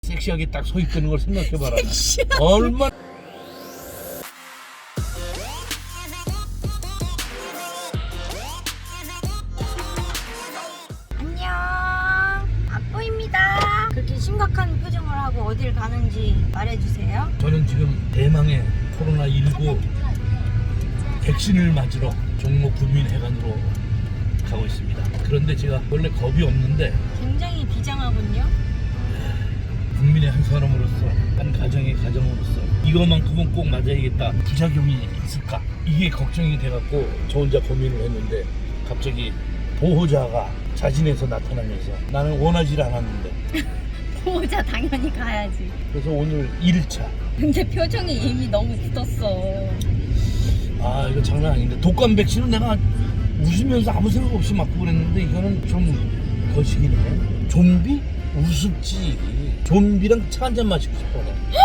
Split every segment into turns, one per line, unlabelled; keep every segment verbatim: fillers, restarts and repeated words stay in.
섹시하게 딱 서 있다는 걸 생각해봐라. 얼마.
안녕, 아뽀입니다. 그렇게 심각한 표정을 하고 어딜 가는지 말해주세요.
저는 지금 대망의 코로나 십구 백신을 맞으러 종로 구민회관으로 가고 있습니다. 그런데 제가 원래 겁이 없는데
굉장히 비장하군요.
국민의 한 사람으로서, 한 가정의 가정으로서 이것만큼은 꼭 맞아야겠다, 부작용이 있을까, 이게 걱정이 돼갖고 저 혼자 고민을 했는데 갑자기 보호자가 자진해서 나타나면서 나는 원하지 않았는데
보호자 당연히 가야지.
그래서 오늘 일 차.
근데 표정이 이미 너무 굳었어.
아, 이거 장난 아닌데 독감 백신은 내가 웃으면서 아무 생각 없이 맞고 그랬는데 이거는 좀 거시기네. 좀비? 우습지. 좀비랑 차 한잔 마시고 싶어.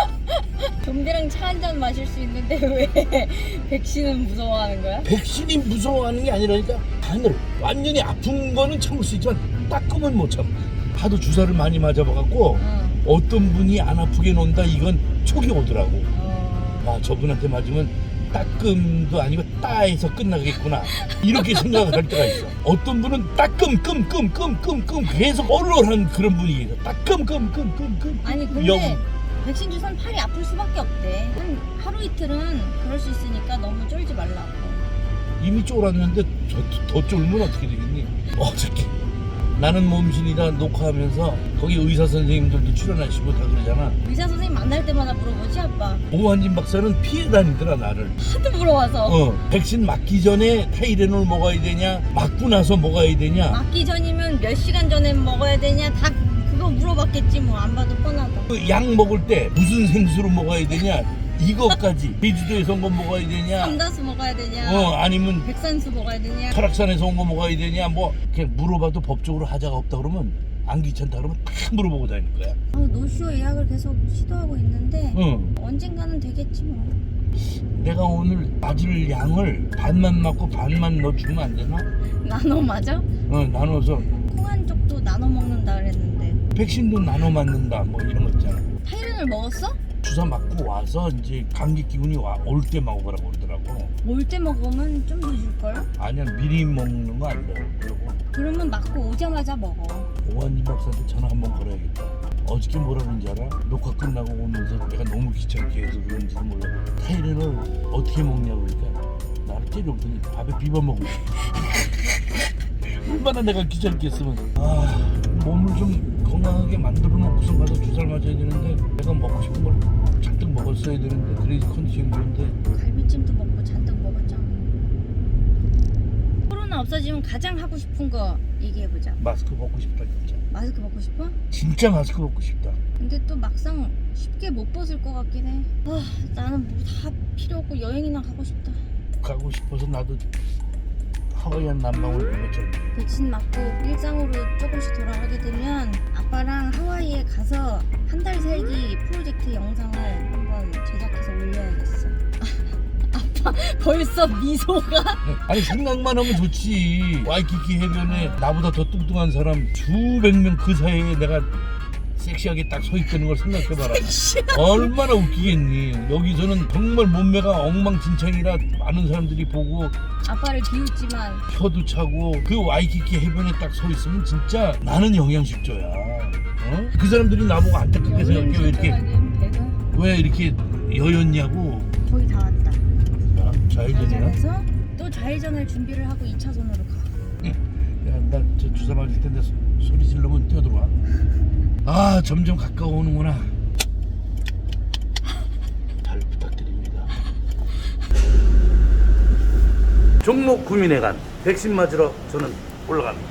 좀비랑 차 한잔 마실 수 있는데 왜 백신은 무서워하는 거야?
백신이 무서워하는 게 아니라니까. 하늘 완전히 아픈 거는 참을 수 있지만 따끔은 못 참아. 하도 주사를 많이 맞아봐갖고
어.
어떤 분이 안 아프게 논다, 이건 촉이 오더라고.
어.
아, 저분한테 맞으면 따끔도 아니고 따에서 끝나겠구나, 이렇게 생각을 할 때가 있어. 어떤 분은 따끔 끔 끔 끔 끔 끔 계속 얼얼한 그런 분위기 있어. 따끔 끔 끔 끔 끔.
아니 근데
영.
백신 주사는 팔이 아플 수밖에 없대. 한 하루 이틀은 그럴 수 있으니까 너무 쫄지 말라고.
이미 쫄았는데 더, 더 쫄면 어떻게 되겠니? 어저께 나는 몸신이다 녹화하면서 거기 의사 선생님들도 출연하시고 다 그러잖아.
의사 선생님 만날 때마다 물어보지 아빠.
오한진 박사는 피해 다니더라 나를.
하도 물어봐서.
어, 백신 맞기 전에 타이레놀 먹어야 되냐, 맞고 나서 먹어야 되냐,
맞기 전이면 몇 시간 전에 먹어야 되냐, 다 그거 물어봤겠지 뭐. 안 봐도 뻔하다.
그 약 먹을 때 무슨 생수로 먹어야 되냐, 이것까지. 제주도에서 온 거 먹어야 되냐,
삼다수 먹어야 되냐,
어 아니면
백산수 먹어야 되냐.
설악산에서 온 거 먹어야 되냐, 뭐 그냥 물어봐도 법적으로 하자가 없다 그러면, 안 귀찮다 그러면 다 물어보고 다닐 거야.
아, 노쇼 예약을 계속 시도하고 있는데
응.
언젠가는 되겠지 뭐.
내가 오늘 맞을 양을 반만 맞고 반만 넣어주면 안 되나?
나눠 맞아?
어, 나눠서
콩 한 쪽도 나눠 먹는다 그랬는데.
백신도 나눠 맞는다 뭐 이런 거 있잖아.
타이레놀 먹었어?
주사 맞고 와서 이제 감기 기운이 와, 올 때 먹으라고 그러더라고.
올 때 먹으면 좀 더 줄걸?
아니야, 미리 먹는 거 안 돼. 그러고
그러면 맞고 오자마자 먹어.
오한진 박사한테 전화 한번 걸어야겠다. 어저께 뭐라 그런지 알아? 녹화 끝나고 오면서 내가 너무 귀찮게 해서 그런지도 몰라. 타이레놀 어떻게 먹냐고 그러니까 나를 때려보더니 밥에 비벼 먹고 얼마나 내가 귀찮게 했으면. 아, 몸을 좀 건강하게 만들어 놓고서 가서 주사를 맞아야 되는데 내가 먹고 싶은 걸 잔뜩 먹었어야 되는데, 그래서 컨디션이 좋은데.
갈비찜도 먹고 잔뜩 먹었잖아. 코로나 없어지면 가장 하고 싶은 거 얘기해보자.
마스크 벗고 싶다 진짜.
마스크 벗고 싶어?
진짜 마스크 벗고 싶다.
근데 또 막상 쉽게 못 벗을 것 같긴 해. 아, 나는 뭐 다 필요 없고 여행이나 가고 싶다.
가고 싶어서 나도 하와이안 난방을 보냈잖아.
백신 맞고 일상으로 조금씩 돌아가게 되면 아빠랑 하와이에 가서 한 달 살기 프로젝트 영상을 한번 제작해서 올려야겠어. 아빠 벌써 미소가.
아니 생각만 하면 좋지. 와이키키 해변에 나보다 더 뚱뚱한 사람 수백 명 그 사이에 내가 섹시하게 딱 서 있다는 걸 생각해봐라. 얼마나 웃기겠니. 여기서는 정말 몸매가 엉망진창이라 많은 사람들이 보고
아빠를 비웃지만
혀도 차고, 그 와이키키 해변에 딱 서 있으면 진짜 나는 영양실조야. 어? 그 사람들이 나보고 안타깝게 생각해. 왜 이렇게
배가
왜 이렇게 여였냐고.
거의 다 왔다.
야, 좌회전이야?
좌회전에서 또 좌회전을 준비를 하고 이 차선으로 가.
야, 나 저 주사 맞을 텐데 소, 소리 지르면 뛰어들어와. 아, 점점 가까워오는구나. 잘 부탁드립니다. 종로 구민회관 백신 맞으러 저는 올라갑니다.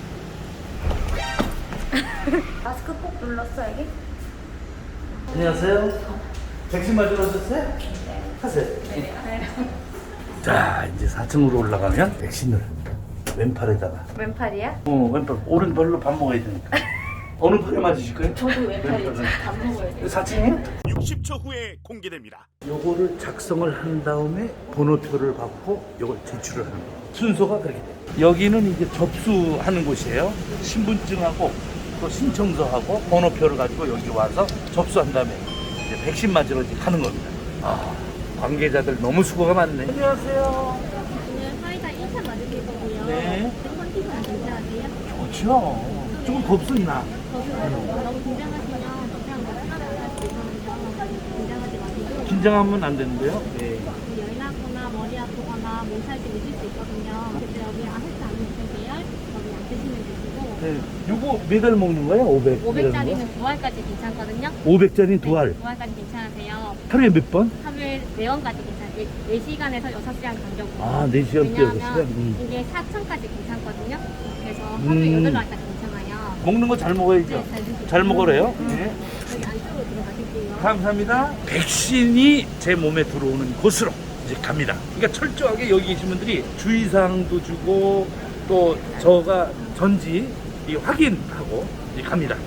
마스크 꼭 눌렀어 여기?
안녕하세요. 백신 맞으러 오셨어요? 네. 하세요.
네.
자, 이제 사 층으로 올라가면 백신을 왼팔에다가.
왼팔이야?
어, 왼팔. 오른팔로 밥 먹어야 되니까. 어느 팔에 맞으실 거예요?
저도 왼팔이지. 밥 먹어야 돼.
사 층이에요?
육십 초 후에 공개됩니다.
요거를 작성을 한 다음에 번호표를 받고 요걸 제출을 하는 거예요. 순서가 그렇게 돼요. 여기는 이제 접수하는 곳이에요. 신분증하고 또 신청서하고 번호표를 가지고 여기 와서 접수한 다음에 이제 백신 맞으러 이제 가는 겁니다. 아, 관계자들 너무 수고가 많네. 안녕하세요.
오늘 화이자 일 차 맞으실 거고요.
네.
컨디션 괜찮으세요?
좋죠. 조금 겁습니다.
너무 긴장하시면 그냥 하나하나 있거든요. 긴장하지 마시고
긴장하면 안 되는데요. 네.
열 나거나 머리 아프거나 몸살 좀 있을 수 있거든요. 그때 여기 아무것도 안 드세요. 여기 안 드시면 되시고
네. 요거 매달 먹는 거예요? 오백.
오백 짜리는 두 알까지 괜찮거든요.
오백 짜리 두 알.
네, 두 알까지 괜찮으세요.
하루에 몇 번?
하루에 네 번까지 괜찮아요. 네 시간에서 여섯 시간 간격으로.
아, 네 시간 또 여섯
왜냐하면
시간? 음.
이게 사천까지 괜찮거든요. 그래서
음.
하루에 여덟 알까지 괜찮아요.
먹는 거 잘 먹어야죠.
네, 잘 드세요.
잘 먹으래요.
음.
네.
여기 안쪽으로 들어가실게요.
감사합니다. 백신이 제 몸에 들어오는 곳으로 이제 갑니다. 그러니까 철저하게 여기 계신 분들이 주의사항도 주고 또 저가 전지 이 확인하고 이제 갑니다.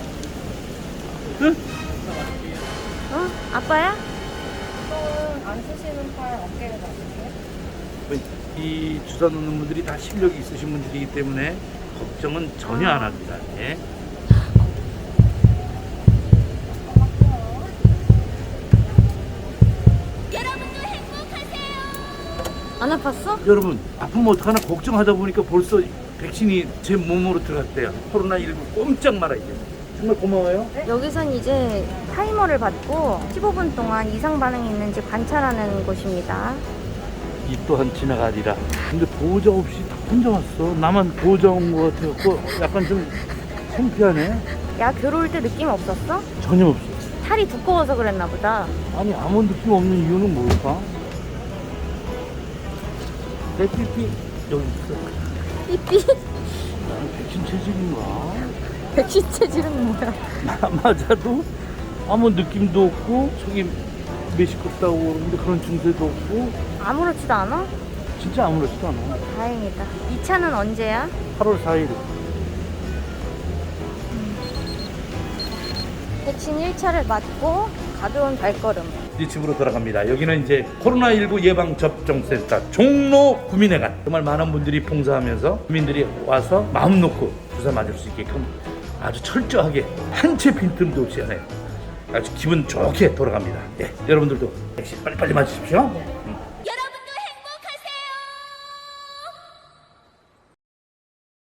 응?
어? 아빠야? 안 쓰시는 팔 어깨를 놔주세요.
이 주사 놓는 분들이 다 실력이 있으신 분들이기 때문에 걱정은 전혀 안 합니다. 예.
안 아팠어?
여러분 아프면 어떡하나 걱정하다 보니까 벌써 백신이 제 몸으로 들어갔대요. 코로나십구 꼼짝 말아야 돼. 정말 고마워요.
여기선 이제 타이머를 받고 십오 분 동안 이상 반응이 있는지 관찰하는 곳입니다.
이 또한 지나가리라. 근데 보호자 없이 다 혼자 왔어. 나만 보호자 온 것 같아갖고 약간 좀 창피하네.
야, 들어올 때 느낌 없었어?
전혀 없어.
살이 두꺼워서 그랬나 보다.
아니 아무 느낌 없는 이유는 뭘까? 내 삐삐 여기 있어.
삐삐.
나는 백신 체질인가?
백신 체질은 뭐야?
마- 맞아도 아무 느낌도 없고 속이 메시껍다고 그러는데 그런 증세도 없고
아무렇지도 않아?
진짜 아무렇지도 않아.
다행이다. 이 차는 언제야?
팔월 사일.
백신 일 차를 맞고 가벼운 발걸음.
이제 집으로 돌아갑니다. 여기는 이제 코로나십구 예방접종센터 종로 구민회관. 정말 많은 분들이 봉사하면서 국민들이 와서 마음 놓고 주사 맞을 수 있게끔 아주 철저하게 한 채 빈틈도 없이 하네요. 아주 기분 좋게 돌아갑니다. 예, 여러분들도 백신 빨리빨리 맞으십시오.